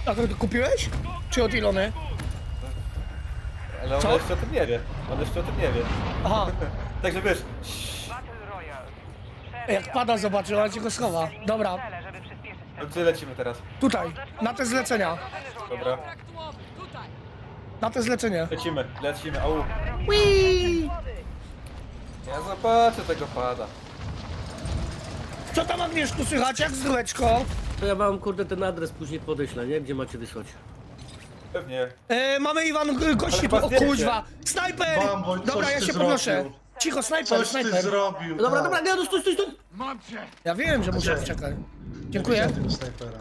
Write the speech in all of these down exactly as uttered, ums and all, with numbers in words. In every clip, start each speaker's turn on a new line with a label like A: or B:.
A: A to ty kupiłeś? Czy od Ilony?
B: Ale on
A: Co?
B: jeszcze o tym nie wie. On jeszcze o tym nie wie.
A: Aha,
B: Także wiesz,
A: jak pada zobaczy, ona ci go schowa. Dobra,
B: no gdzie lecimy teraz?
A: tutaj, na te zlecenia.
B: Dobra.
A: Na te zlecenie.
B: Lecimy, lecimy, au.
A: Whee!
B: Ja zobaczę tego pada.
A: Co tam Agnieszku słychać, jak zdróweczko?
C: To ja wam kurde ten adres później podeślę, nie? Gdzie macie wysłać?
B: Pewnie.
A: E, mamy Iwan g- gości
B: Ale
A: tu,
B: chyba
A: o
B: zdjęcie.
A: kuźwa! Snajper!
D: Bambo, coś
A: Dobra, ja
D: ty
A: się
D: zrobił.
A: podnoszę. Cicho, snajper,
D: Coś ty
A: snajper.
D: zrobił.
C: Dobra,
D: tak.
C: dobra, nie, no stój, stój, stój!
A: Ja wiem, że muszę
D: Gdzie?
A: czekać.
D: Nie
A: Dziękuję.
D: widziałem tego snajpera.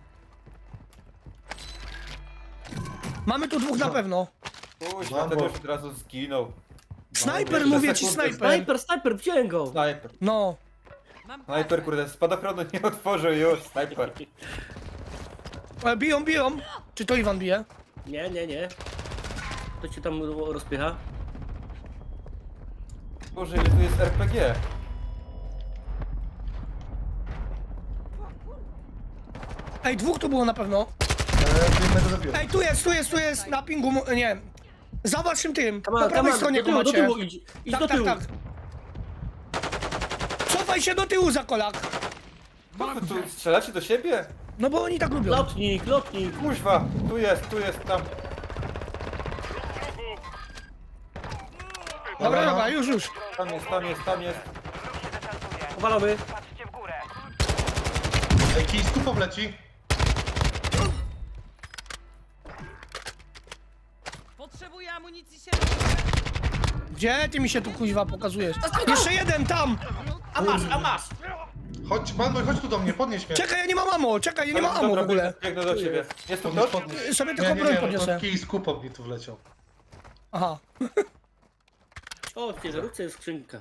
A: Mamy tu dwóch na pewno.
B: Kuźwa,
D: Bambo.
B: ten już od razu zginął.
A: Snajper,
B: jeszcze
A: mówię ci,
B: sekundę.
A: snajper.
C: Sniper, sniper, wziąłem go!
B: Snajper.
A: No.
B: Snajper, kurde, spadochronu nie otworzył już, snajper.
A: E, biją, biją. Czy to Iwan bije?
C: Nie, nie, nie. To ci tam rozpycha.
B: Boże, ile tu jest R P G.
A: Ej, dwóch tu było na pewno.
D: Eee, jednego zabiłem.
A: Ej, tu jest, tu jest, tu jest, na pingu, mu- nie. Za waszym tym,
C: Come
A: po
C: on,
A: prawej
C: come on,
A: stronie
C: do
A: go
C: tyłu, do
A: macie.
C: tyłu, idź, idź
A: Tak,
C: do
A: tak,
C: tyłu.
A: tak. Cofaj się do tyłu za kolak.
B: Co wy tu strzelacie do siebie?
A: No bo oni tak lubią.
C: Lotnik, lotnik!
B: Kuźwa, tu jest, tu jest, tam.
A: Dobra, dobra, już, już.
B: Tam jest, tam jest, tam jest.
C: Powalony.
D: Ej, kij z kupą leci.
E: Potrzebuję amunicji się.
A: Gdzie ty mi się tu kuźwa pokazujesz? Jeszcze jeden tam!
C: A masz, a masz!
D: Chodź, Manboy, chodź tu do mnie, podnieś mnie.
A: Czekaj, ja nie mam ammo, czekaj, ja nie mam ammo w
B: Dobra,
A: ogóle.
B: biegnę- Biegnę do ciebie. Jest tu
D: Podnieś,
B: ktoś?
D: podnieś.
A: Sobie
D: Nie,
A: tylko
D: nie,
A: broń
D: nie,
A: podniosę.
D: no, kij z kupą mi tu wleciał.
A: Aha.
C: O, w ciężarówce jest skrzynka.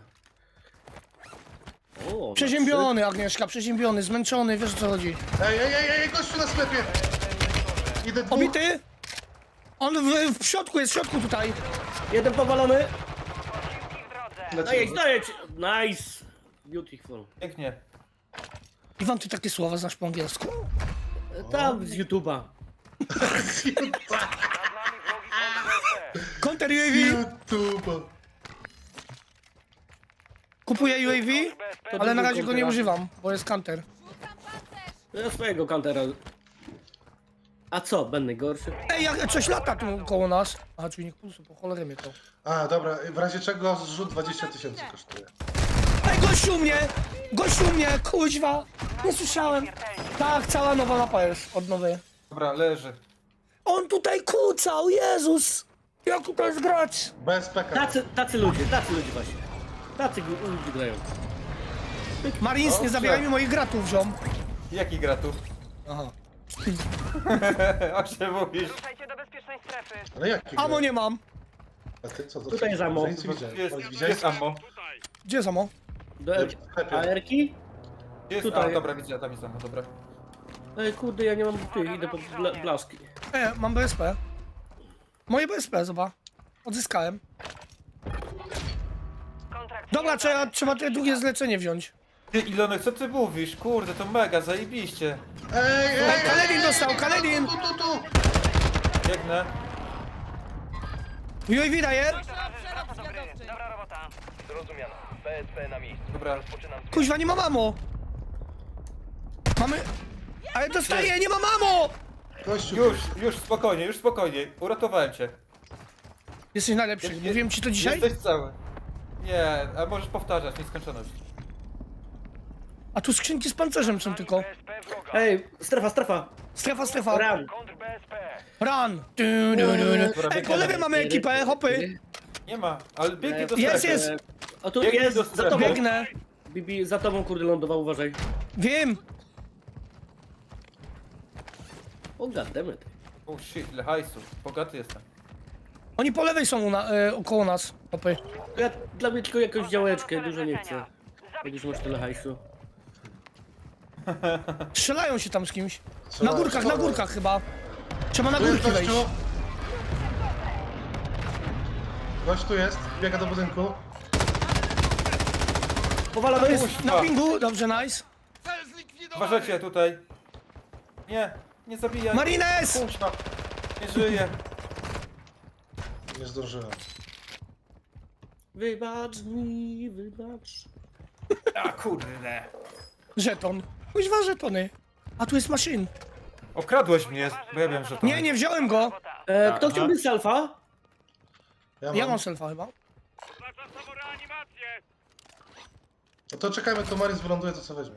C: O,
A: Przeziębiony, Agnieszka, przeziębiony, zmęczony, wiesz o co chodzi.
D: Ej, ej, ej, ej, gościu na sklepie. Idę dwóch.
A: Obity? On w, w środku jest, w środku tutaj.
C: jeden powalony.
D: Lecimy.
C: Dajedź, dajedź! Nice! Beautiful.
B: Pięknie.
A: Iwan, ty takie słowa znasz po angielsku?
C: Tam z YouTube'a.
A: Counter U A V?
D: YouTube.
A: Kupuję U A V, ale na razie go nie
C: Kontera.
A: używam, bo jest counter.
C: Ja swojego kantera. A co, będę gorszy?
A: Ej, jak coś lata tu koło nas. A, czujnik pulsu, po cholerę mnie to.
D: A, dobra, w razie czego zrzut dwadzieścia tysięcy kosztuje.
A: Ej, gościu mnie! Gościu mnie, kuźwa! Nie słyszałem. Tak, cała nowa mapa jest od nowej.
B: Dobra, leży.
A: On tutaj kucał, Jezus! Jak tutaj jest grać?
D: Bez peka.
C: Tacy, tacy ludzie, tacy ludzie właśnie. Tacy gu- ludzie grają.
A: Marines, nie
B: Dobrze.
A: zabieraj mi moich gratów, ziom.
B: Jaki gra tu?
A: Aha.
B: O czym mówisz?
E: Ruszajcie do bezpiecznej strefy.
D: Ale jaki?
A: Ammo nie mam.
D: A ty co? To
C: Tutaj jest ammo.
D: Nic nie widziałem.
B: Jest,
D: Widziałeś?
B: jest ammo.
A: Gdzie jest ammo?
C: Do
D: W sklepie.
C: A R ki?
B: Jest,
C: Tutaj.
B: a dobra, widzę, tam jest ammo, dobra.
C: Ej, kurde, ja nie mam tych, idę po bla blaszki.
A: E, mam B S P. Moje B S P, zobacz. Odzyskałem.
E: Kontrakt
A: Dobra, trzeba, trzeba te drugie zlecenie wziąć.
B: Ty Ilonek, co ty mówisz? Kurde, to mega, zajebiście.
D: Ej, ej,
A: Ej, Kaledin dostał, Kaledin!
D: Tu, tu, tu.
B: Biegnę.
A: U A V daje.
E: wraca do gry. Dobra robota.
F: Zrozumiano. P S P na miejscu.
B: Dobra.
F: Rozpoczynam.
A: Kuźwa, nie mam ammo. Mamy... Ale dostaję, nie mam ammo!
D: Gościu.
B: Już, już, spokojnie, już spokojnie. Uratowałem cię.
A: Jesteś najlepszy,
B: Jest-
A: mówiłem ci to dzisiaj?
B: Jesteś cały. Nie, a możesz powtarzać, nieskończoność.
A: A tu skrzynki z pancerzem są tylko.
E: B S P wroga.
C: Ej, strefa, strefa!
A: Strefa, strefa.
C: Ram!
E: Kontr B S P.
A: Run! Du, du, du, du.
B: Dobra,
A: Ej, po lewej mamy ekipę, hopy.
B: Nie ma, ale biegnij do
A: Jest,
B: strefy.
A: jest.
C: O tu
B: Biegnij
C: jest,
B: do
C: za
B: strefy.
C: tobą!
A: Biegnę.
C: Bibi, za tobą kurde lądował, uważaj.
A: Wiem.
C: O goddammit.
B: Oh shit, ile hajsu. Bogaty jestem.
A: Oni po lewej są u na, e, około nas, hopy.
C: Ja dla mnie tylko jakąś działeczkę, dużo nie chcę. Jak już masz tyle hajsu.
A: Strzelają się tam z kimś. Na
D: Strzelają,
A: górkach, na
D: strzelają.
A: górkach chyba. Trzeba na
D: Tu jest
A: górki wejść.
D: gościu. Gość tu jest, biega do budynku.
C: Powalamy
A: To jest
B: Kuźwa.
A: na pingu, dobrze, nice.
B: Uważajcie tutaj. Nie. Nie zabijaj.
A: Marines!
B: Kurwa. Nie żyje.
D: Nie zdążyłem.
C: Wybacz mi, wybacz.
B: A kurde.
A: Żeton. Kuźwa żetony. A tu jest maszyn.
B: Okradłeś mnie, bo ja wiem, że to...
A: Nie, nie wziąłem go.
C: E, kto
B: Aha.
C: chciałby selfa?
D: Ja mam.
A: Ja mam selfa chyba.
D: No to czekajmy, to Maris wyląduje, to co weźmie.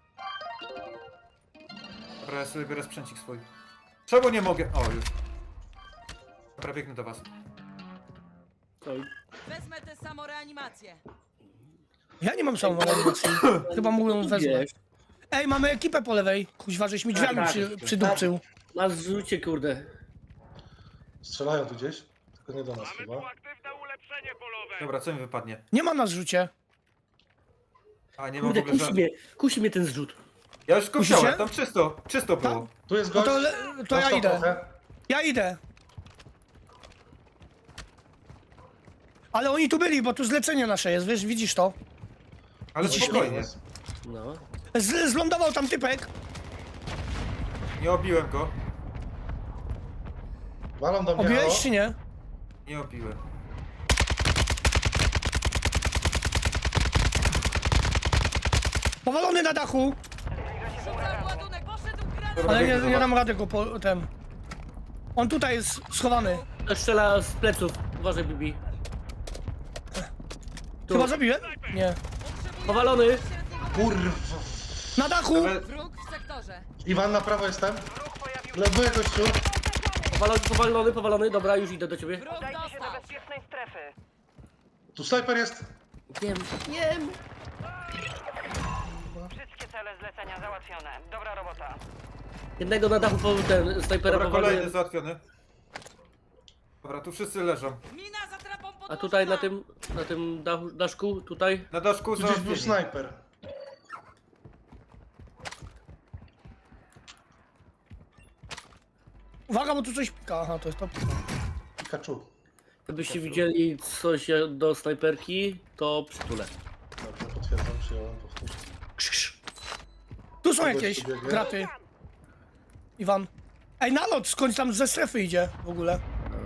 B: Dobra, ja sobie biorę sprzęcik swój. Czemu nie mogę? O, już. Dobra, biegnę do was.
C: Oj.
E: Wezmę tę samoreanimację.
A: Ja nie mam samoreanimacji. Chyba mówią wezmę.
C: Wiesz,
A: Ej, mamy ekipę po lewej. Kuźwa, żeś mi drzwiami
C: Tak, tak.
A: przy, przydupczył.
C: masz zrzucie, kurde.
D: Strzelają tu gdzieś, tylko nie do nas chyba.
B: Dobra, co mi wypadnie?
A: Nie ma na zrzucie.
B: A, nie mam w
C: Kurde,
B: ogóle
C: kusi
B: żadnych...
C: mnie, kusi mnie ten zrzut.
B: Ja już go
A: Musicie?
B: wziąłem, tam czysto, czysto było.
D: Tu jest
A: No
D: gość.
A: to, le- to ja
D: Dostał
A: idę.
D: trochę.
A: Ja idę. Ale oni tu byli, bo tu zlecenie nasze jest, wiesz, widzisz to?
B: Ale spokojnie.
C: No.
A: Z, zlądował tam typek.
B: Nie obiłem go.
D: Walą do mnie,
A: Obiłeś
D: halo?
A: czy nie?
B: Nie obiłem.
A: Powalony na dachu.
E: Rzucam ładunek, poszedł granat!
B: Dobra,
A: Ale nie,
B: biegnę do
A: nie
B: was.
A: dam rady go po ten. On tutaj jest schowany.
C: To strzela z pleców. Uważaj, Bibi. Tu.
A: Chyba zabiłem? Nie.
C: Powalony.
D: Kurwa.
A: Na dachu!
B: Ale
E: Wróg w sektorze.
D: Iwan, na prawo jestem. Lebuję gościu.
C: Powalony, powalony, powalony. Dobra, już idę do ciebie.
E: Wróg dostał.
F: bezpiecznej strefy.
D: Tu snajper jest.
C: Wiem, wiem.
F: Wszystkie cele zlecenia załatwione. Dobra robota.
C: Jednego na dachu po ten snajpera
B: dobra, kolejny
C: powalony.
B: załatwiony. Dobra, tu wszyscy leżą.
E: Mina za trapą podwójna.
C: A tutaj na tym, na tym dachu, daszku, tutaj.
B: Na daszku
D: Tu gdzieś był
B: załatwieni.
D: snajper.
A: Uwaga, bo tu coś pika. Aha, to jest to.
D: Pikachu.
C: Gdybyście widzieli coś do snajperki, to przytulę.
D: Dobrze, potwierdzam, przyjąłem, powtórz.
A: Krz, krz. Tu są
D: Kogoś
A: jakieś
D: tu biegnie?
A: graty. Iwan. Ej, nalot skądś tam ze strefy idzie w ogóle.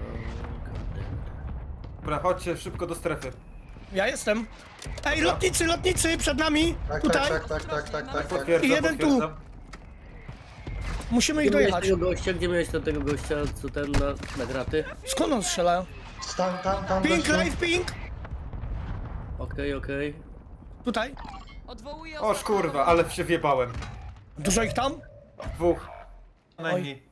B: Dobra, chodźcie szybko do strefy.
A: Ja jestem. Ej, lotnicy, lotnicy przed nami.
D: Tak,
A: Tutaj.
D: tak, tak, tak, tak, tak, tak, tak.
B: Potwierdzam,
A: I jeden tu.
B: potwierdzam.
A: Musimy ich
C: Gdzie miałeś
A: dojechać.
C: tego gościa? Gdzie miałeś ten- tego gościa, co ten na, na graty?
A: Skąd on strzela?
D: Stan, tam, tam,
A: Pink,
D: gościu.
A: live pink.
C: Okej, okej.
A: Tutaj.
E: Odwołuję
B: O kurwa, ale się wjebałem.
A: Dużo ich tam?
B: Dwóch. Najmniej.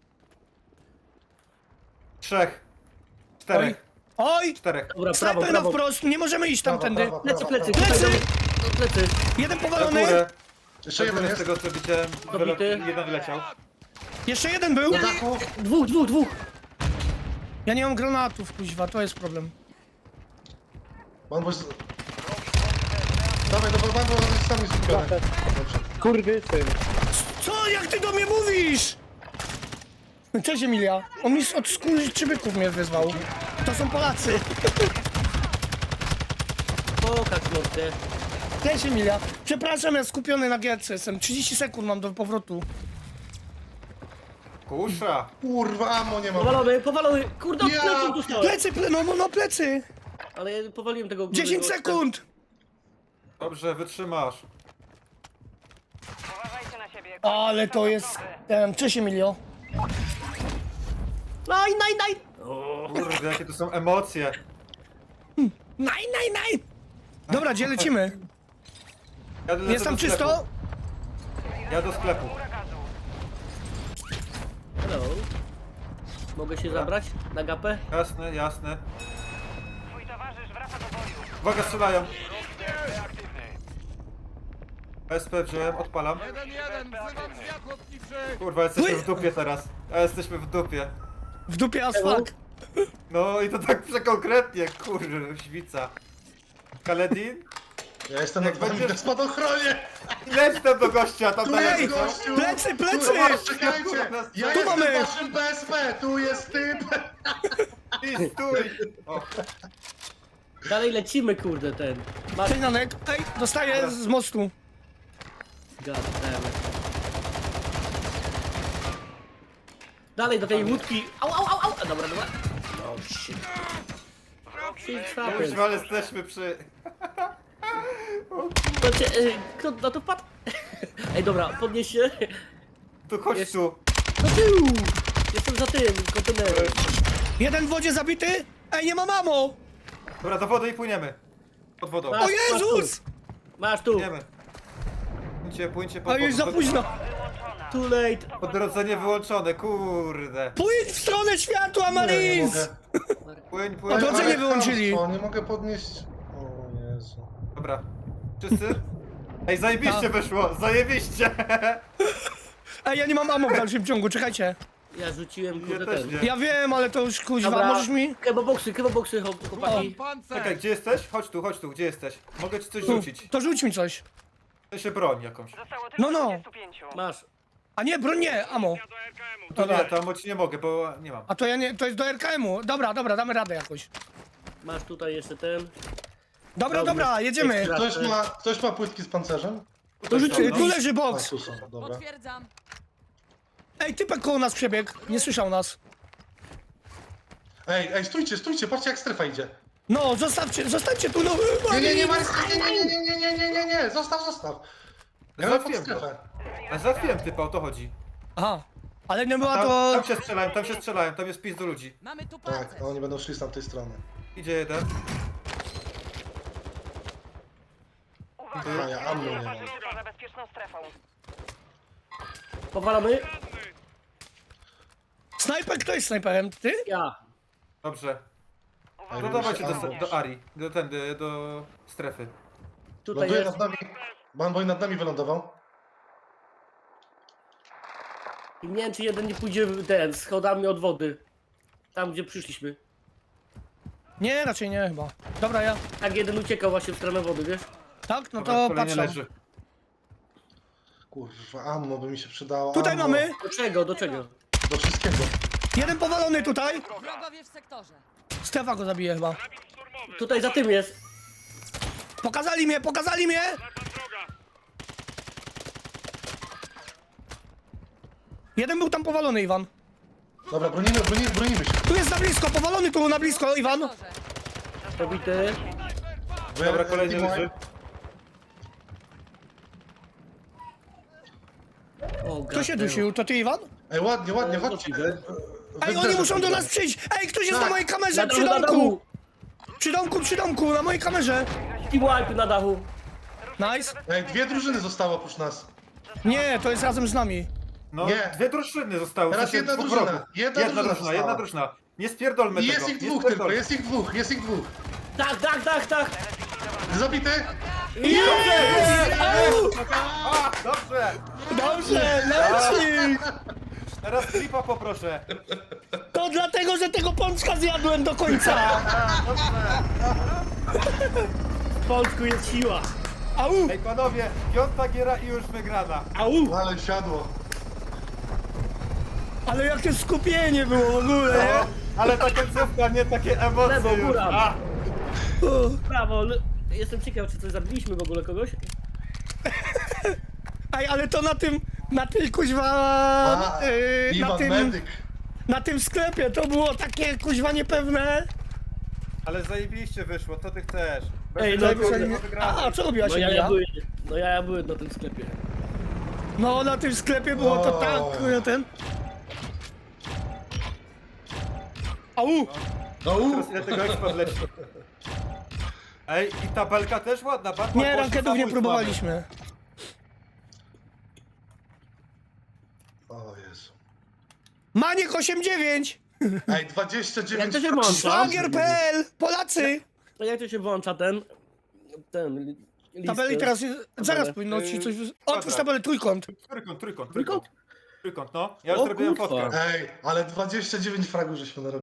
B: Trzech. Czterech.
A: Oj!
B: Czterech.
C: Dobra, prawo,
A: Snajper na
C: prawo.
A: wprost, nie możemy iść
D: Prawo,
A: tamtędy.
D: prawo,
C: Plecy,
D: prawo,
C: plecy,
D: prawo.
C: tutaj
A: Plecy!
C: do, do plecy.
A: Jeden
B: Na
A: powalony.
B: górę.
D: Jeszcze
B: Na
D: jeden
B: górę z
D: jest.
B: tego co widziałem.
C: Dobity.
B: wylot- Jeden wyleciał.
A: Jeszcze jeden był.
D: Na dachu.
C: Dwóch, dwóch, dwóch.
A: Ja nie mam granatów, kuźwa, to jest problem.
D: Pan boś... Dawaj, dobra, pan bo on jest sami skupiony. Dobrze.
C: Kurwy, syn.
A: Co? Jak ty do mnie mówisz? Cześć Emilia. On mi od skurczybyków mnie wyzwał. To są Polacy.
C: Pokaż mordę.
A: Cześć Emilia. Przepraszam, ja skupiony na gierce jestem. trzydzieści sekund mam do powrotu.
B: Kusza.
D: Kurwa, amo nie mam.
C: Powalony, powalony. Kurde, od
D: Ja
C: pleców dostałem.
A: Plecy, ple, no, no, no plecy.
C: Ale ja powaliłem tego...
A: dziesięć
C: tego-
A: sekund.
B: Dobrze, wytrzymasz.
F: Uważajcie na siebie.
A: Ale to jest... Em, cześć Emilio.
C: Naj, naj, naj.
B: Kurde, jakie to są emocje.
A: Naj, naj, naj. Dobra, gdzie lecimy?
B: Ja lecę
A: Jest tam
B: do sklepu.
A: czysto?
B: Ja do sklepu.
C: Hello. Mogę się zabrać na gapę?
B: Jasne, jasne.
F: Twój towarzysz wraca do boju.
B: Uwaga, strzelają. S P wziąłem, odpalam. Kurwa, jesteśmy w dupie teraz. A jesteśmy w dupie.
A: W dupie as fuck.
B: No i to tak przekonkretnie, kurde, świca. Kaledin?
D: Ja jestem na
B: Jak
D: wami
B: będziesz-
D: na spadochronie.
B: Leć tam do gościa, tam
D: Tu
B: dalej.
D: jest
B: co?
D: gościu.
A: Plecy, plecy.
D: Tu, czekajcie. Ja
A: Tu
D: jestem
A: mamy.
D: waszym B S P. Tu jest typ.
B: Ty stój! O,
C: Dalej lecimy, kurde, ten. Masz...
A: Cześć Nanek. Ej, dostaję z mostu.
C: God damn it. Dalej do tej łódki. Au, au, au, au. A, dobra, dobra. Oh shit. Shit happens.
B: Kuźwa, ale jesteśmy przy...
C: To cię, y, kto na to wpadł? Ej, dobra, podnieś się.
B: Tu chodź
C: Jest-
B: tu.
C: Do tyłu. Jestem za tym kontenerem.
A: Jeden w wodzie zabity? Ej, nie ma mamo!
B: Dobra, do wody i płyniemy. Pod wodą.
C: Masz,
A: O Jezus!
C: Masz tu.
B: Płyniemy. Płyńcie, płyńcie pod
A: A już za
B: wodą.
A: późno.
C: Too late.
B: Odrodzenie wyłączone, kurde.
A: Pójdź w stronę światła,
D: Nie, nie
A: Marines!
D: mogę.
B: Płyń, płyń.
A: Odrodzenie
D: Ale
A: wyłączyli.
D: chamstwo, nie mogę podnieść... O Jezu.
B: Dobra. Wszyscy? Ej, zajebiście
A: Tak.
B: wyszło, zajebiście!
A: Ej, ja nie mam ammo w dalszym ciągu, czekajcie.
C: Ja rzuciłem kurde
B: też
C: ten.
B: nie.
A: Ja wiem, ale to już kuźwa,
C: Dobra,
A: możesz mi?
C: Keboboksy, keboboksy, chłop- chłopaki.
B: Czekaj, gdzie jesteś? Chodź tu, chodź tu, gdzie jesteś? Mogę ci coś
A: Tu,
B: rzucić.
A: to rzuć mi coś.
B: To się broń jakąś.
F: Zostało tylko
A: No, no.
F: dwadzieścia pięć.
C: Masz.
A: A nie, broń nie, ammo.
B: To
A: Dobra.
B: nie, tam ci nie mogę, bo nie mam.
A: A to ja nie, to jest do R K M-u. Dobra, dobra, damy radę jakoś.
C: Masz tutaj jeszcze ten.
A: Dobra,
C: Dobra,
A: dobra, jedziemy.
C: ekstra.
D: Ktoś ma, ktoś ma płytki z pancerzem?
A: To rzuć,
B: Tutaj są,
A: tu
B: no.
A: leży
D: A,
A: boks.
D: tu są, dobra.
E: Potwierdzam.
A: Ej, typek koło nas przebiegł, nie słyszał nas.
D: Ej, ej, stójcie, stójcie, patrzcie jak strefa idzie.
A: No, zostawcie, zostańcie tu, no.
D: Nie, nie, nie,
A: Marines.
D: Marcin, nie, nie, nie, nie, nie, nie, nie, nie, zostaw, zostaw. Ja mam pod
B: Załatwiłem go.
D: strefę.
B: A załatwiłem typa, o to chodzi.
A: Aha, ale nie była
B: Tam,
A: to...
B: tam się strzelają, tam się strzelają, tam jest pis do ludzi.
E: Mamy tu
D: Tak,
E: pancerz.
D: no oni będą szli z tamtej strony.
B: Idzie jeden.
D: A ja ammo nie mam.
F: Uważajcie poza bezpieczną strefą.
C: Powalamy?
A: Snajper, kto jest snajperem? Ty?
C: Ja.
B: Dobrze.
D: Ej,
B: No
D: mi
B: dawajcie
D: się
B: do,
D: ammo.
B: do Ari, do tędy, do strefy.
C: Tutaj
D: Ląduje
C: jest.
D: nad nami. Banboy nad nami wylądował.
C: I nie wiem czy jeden nie pójdzie w ten, schodami od wody. Tam gdzie przyszliśmy.
A: Nie, raczej nie chyba. Dobra, ja.
C: Tak jeden uciekał właśnie w stronę wody, wiesz?
A: Tak, no
B: Dobra,
A: to
B: kolejny
A: patrzę.
B: leży.
D: Kurwa, ammo by mi się przydało.
A: Tutaj
D: ammo.
A: mamy.
C: Do czego, do czego?
D: Do wszystkiego.
A: Jeden powalony tutaj.
E: Wrogowie w sektorze.
A: Strefa go zabije chyba.
C: Tutaj za tym jest.
A: Pokazali mnie, pokazali mnie! Jeden był tam powalony, Iwan.
D: Dobra, bronimy, bronimy, bronimy się.
A: Tu jest na blisko, powalony tu na blisko, Iwan.
E: Sektorze.
C: Pobity.
D: Wy-
B: Dobra, kolejny
D: team
B: leży.
D: wipe.
C: O,
A: Kto się
C: gadeo.
A: dusił? To ty, Iwan?
D: Ej, ładnie, ładnie,
C: E,
D: chodźcie.
C: możliwe.
D: Wy
A: Ej,
D: w
A: oni
D: desert
A: muszą do
D: pójdziemy.
A: nas przyjść! Ej, ktoś jest
D: Tak.
A: na mojej
C: Na
A: kamerze,
C: dachu,
A: przy
C: na
A: domku!
C: dachu.
A: Przy domku, przy domku, na mojej kamerze!
C: I wipe na dachu.
A: Nice.
D: Ej, dwie drużyny zostały oprócz nas.
A: Nie, to jest razem z nami.
B: No,
D: Nie.
B: dwie drużyny zostały. w
D: Teraz
B: sensie
D: jedna
B: dwóch
D: drużyna.
B: wrogów.
D: Jedna
B: jedna
D: drużyna
B: drużyna, jedna
D: została.
B: drużyna. Nie spierdolmy
D: I
B: tego.
D: jest ich
B: nie
D: dwóch tylko,
B: spierdolmy.
D: jest ich dwóch, jest ich dwóch.
C: Tak, tak, tak, tak.
D: Zabity?
B: A, dobrze!
A: Dobrze, leci!
B: Teraz klipa poproszę.
A: To dlatego, że tego pączka zjadłem do końca!
C: W Polsku jest siła.
A: Au!
B: Ej panowie, piąta giera i już wygrana.
C: Au.
D: Ale siadło.
A: Ale jakie skupienie było w ogóle, nie?
B: No, ale ta końcówka, nie takie emocje
C: Lewo,
B: już.
C: góra.
B: A,
C: Brawo. l- Jestem ciekaw, czy coś zabiliśmy w ogóle kogoś.
A: Ej, ale to na tym, na tym kuźwa,
D: A,
A: yy, na
D: Iwan
A: tym,
D: Medyk.
A: na tym sklepie to było takie kuźwa niepewne.
B: ale zajebiście wyszło, co ty chcesz? Bez
C: Ej, no
B: tego
C: kurde.
B: nie wygramy.
A: A, a co robiłaś,
C: No ja,
A: Emilia?
C: ja byłem, no ja, ja byłem na tym sklepie.
A: No, na tym sklepie było to
D: O.
A: tak, kurde, ten. Au!
D: No u.
B: Teraz ile tego ekspert leci. Ej, i tabelka też ładna, bardzo
A: Nie, rankedów nie próbowaliśmy.
D: O Jezu.
A: Maniek osiem dziewięć!
D: Ej, dwadzieścia dziewięć.
C: Jak to się włącza?
A: Szwagier kropka pe el! Polacy!
C: No jak to się włącza ten... Ten... li- listę?
A: Tabeli teraz jest, zaraz powinno ci coś... Otwórz tabelę trójkąt.
B: Trójkąt, trójkąt,
C: Trójkąt?
B: trójkąt. Trójkąt, no. Ja już
C: O
B: zrobiłem
C: kurwa.
B: fotkę.
D: Ej, ale dwadzieścia dziewięć fragów żeśmy narobili.